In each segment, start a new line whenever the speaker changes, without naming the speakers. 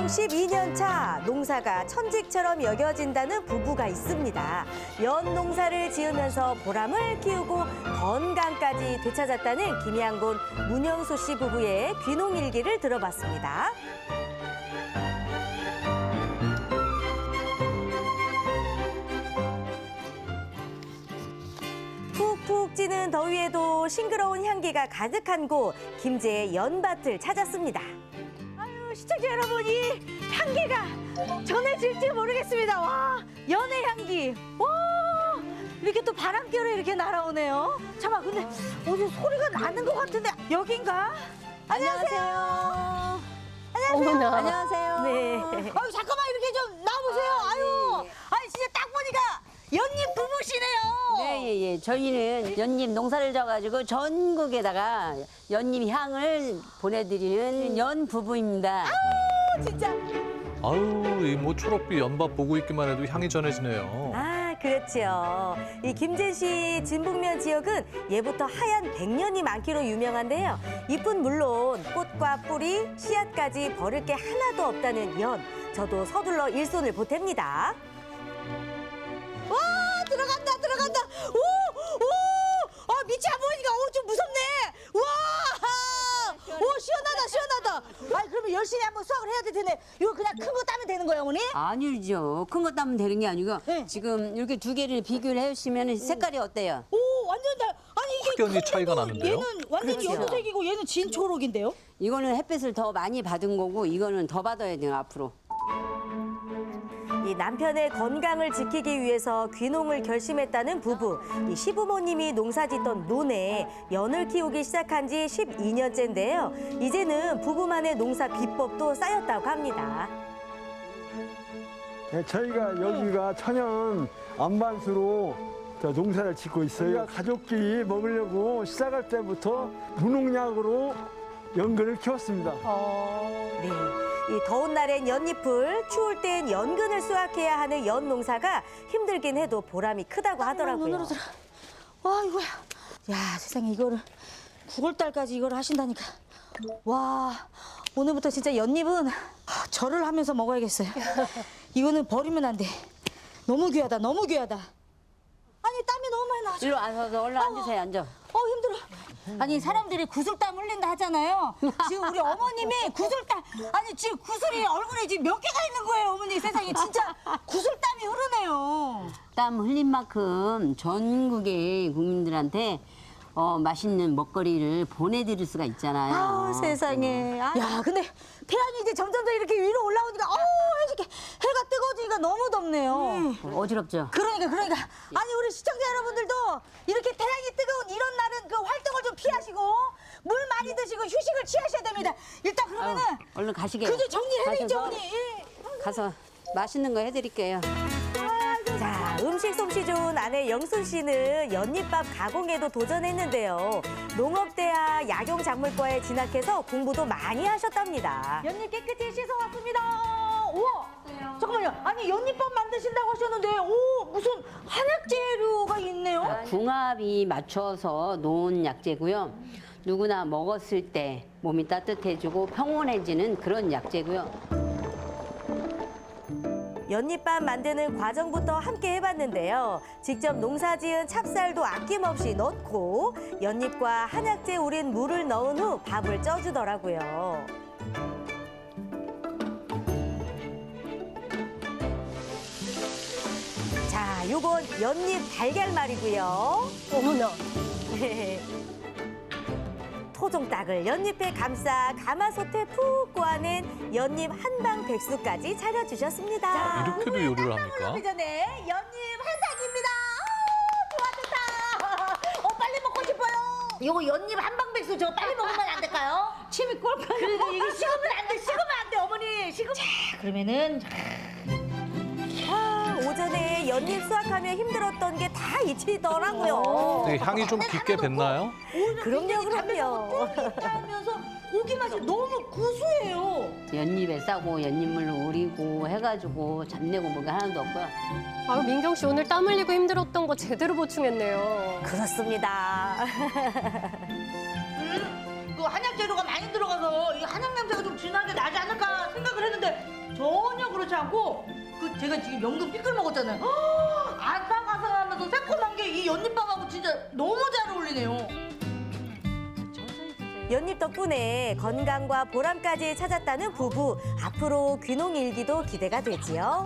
12년 차 농사가 천직처럼 여겨진다는 부부가 있습니다. 연 농사를 지으면서 보람을 키우고 건강까지 되찾았다는 김양곤, 문영수 씨 부부의 귀농 일기를 들어봤습니다. 푹푹 찌는 더위에도 싱그러운 향기가 가득한 곳, 김제의 연밭을 찾았습니다.
아유, 시청자 여러분, 이 향기가 전해질지 모르겠습니다. 와, 연의 향기. 와, 이렇게 또 바람결에 이렇게 날아오네요. 잠깐, 근데 어디 소리가 나는 것 같은데 여긴가? 안녕하세요.
어머나.
안녕하세요.
네.
아유, 잠깐만 이렇게 좀 나와보세요. 아유, 아니 진짜 딱 보니까 연잎 부부시네요.
네, 예. 저희는 연잎 농사를 져가지고 전국에다가 연잎 향을 보내드리는 연 부부입니다.
진짜.
아유, 이 뭐 초록빛 연밥 보고 있기만 해도 향이 전해지네요.
아, 그렇죠. 이 김제시 진북면 지역은 예부터 하얀 백년이 많기로 유명한데요. 잎은 물론 꽃과 뿌리, 씨앗까지 버릴 게 하나도 없다는 연. 저도 서둘러 일손을 보탭니다.
와, 들어간다. 오, 아, 밑이 안 보이니까 좀 무섭네. 와, 오, 시원하다. 아, 그러면 열심히 한번 수확을 해야 될 텐데 이거 그냥 큰 거 따면 되는 거예요, 어머니?
아니죠. 큰 거 따면 되는 게 아니고
네.
지금 이렇게 두 개를 비교를 해주시면 색깔이 어때요?
오, 완전 아니 이게
확연히
큰데도
차이가 나는데요?
얘는 완전히
그렇죠.
연두색이고 얘는 진초록인데요?
이거는 햇빛을 더 많이 받은 거고 이거는 더 받아야 돼요, 앞으로.
이 남편의 건강을 지키기 위해서 귀농을 결심했다는 부부. 이 시부모님이 농사짓던 논에 연을 키우기 시작한 지 12년째인데요. 이제는 부부만의 농사 비법도 쌓였다고 합니다.
네, 저희가 여기가 천연 안반수로 농사를 짓고 있어요. 가족끼리 먹으려고 시작할 때부터 무농약으로 연근을 키웠습니다.
네. 이 더운 날엔 연잎을, 추울 땐 연근을 수확해야 하는 연 농사가 힘들긴 해도 보람이 크다고 하더라고요.
눈으로 들어. 와, 이거야. 야, 세상에 이거를 9월달까지 이걸 하신다니까. 와, 오늘부터 진짜 연잎은 절을 하면서 먹어야겠어요. 이거는 버리면 안 돼. 너무 귀하다. 아니, 땀이 너무 많이 나죠.
일로 와서 얼른 앉으세요, 앉아.
힘들어. 아니, 사람들이 구슬땀 흘린다 하잖아요. 지금 우리 어머님이 구슬땀, 아니, 지금 구슬이 얼굴에 지금 몇 개가 있는 거예요, 어머니. 세상에 진짜 구슬땀이 흐르네요.
땀 흘린 만큼 전국의 국민들한테 맛있는 먹거리를 보내드릴 수가 있잖아요.
아, 세상에. 야, 근데 태양이 이제 점점 더 이렇게 위로 올라오니까, 이렇게 해가 뜨거워지니까 너무 덥네요.
어지럽죠?
그러니까. 아니, 우리 시청자 여러분들도 이렇게 태양이 뜨거운 이런 날은 그 활동을 좀 피하시고, 물 많이 드시고 휴식을 취하셔야 됩니다. 일단 그러면은,
아유, 얼른 가시게요.
그게 정리해드리죠,
가셔서-
어머니. 예.
가서 맛있는 거 해드릴게요.
자, 음식 솜씨 좋은 아내 영순 씨는 연잎밥 가공에도 도전했는데요. 농업대학 약용작물과에 진학해서 공부도 많이 하셨답니다.
연잎 깨끗이 씻어왔습니다. 우와. 잠깐만요. 아니, 연잎밥 만드신다고 하셨는데, 무슨 한약 재료가 있네요.
궁합이 맞춰서 놓은 약재고요. 누구나 먹었을 때 몸이 따뜻해지고 평온해지는 그런 약재고요.
연잎밥 만드는 과정부터 함께 해봤는데요. 직접 농사지은 찹쌀도 아낌없이 넣고 연잎과 한약재 우린 물을 넣은 후 밥을 쪄주더라고요. 자, 요건 연잎 달걀말이고요.
어머나.
토종닭을 연잎에 감싸 가마솥에 푹 구워낸 연잎 한방 백수까지 차려주셨습니다.
이렇게도 요리를 합니까?
그 전에 연잎 한상입니다. 좋아. 빨리 먹고 싶어요. 이거 연잎 한방백수 저거 빨리 먹으면 안 될까요? 침이 꼴깍. 그래, 이게 식으면 안 돼, 어머니. 자, 그러면은
오전에 연잎 수확하며 힘들었던 게 다 잊히더라고요.
되게 향이 좀 깊게 뱄나요?
그럼요.
하면서 고기 맛이 너무 구수해요.
연잎에 싸고 연잎물로 우리고 해가지고 잡내고 뭐가 하나도 없고요.
아유, 민경 씨 오늘 땀 흘리고 힘들었던 거 제대로 보충했네요.
그렇습니다.
그 한약 재료가 많이 들어가서 이 한약 냄새가 좀 진하게 나지 않을까 생각을 했는데 전혀 그렇지 않고 그 제가 지금 연근 피클 먹었잖아요. 아삭아삭하면서 새콤한 게 이 연잎밥하고 진짜 너무 잘 어울리네요.
연잎 덕분에 건강과 보람까지 찾았다는 부부. 앞으로 귀농 일기도 기대가 되지요.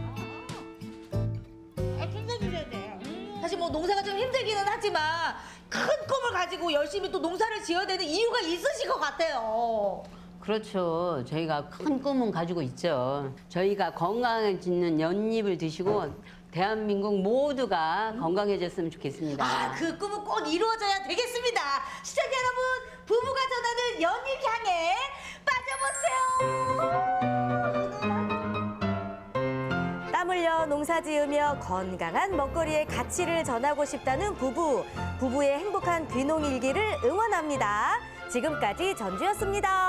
챙겨주셔야 돼요. 사실 뭐 농사가 좀 힘들기는 하지만 큰 꿈을 가지고 열심히 또 농사를 지어야 되는 이유가 있으실 것 같아요.
그렇죠. 저희가 큰 꿈은 가지고 있죠. 저희가 건강해지는 연잎을 드시고 대한민국 모두가 건강해졌으면 좋겠습니다.
아, 그 꿈은 꼭 이루어져야 되겠습니다. 시청자 여러분, 부부가 전하는 연잎 향에 빠져보세요.
땀 흘려 농사 지으며 건강한 먹거리의 가치를 전하고 싶다는 부부. 부부의 행복한 귀농 일기를 응원합니다. 지금까지 전주였습니다.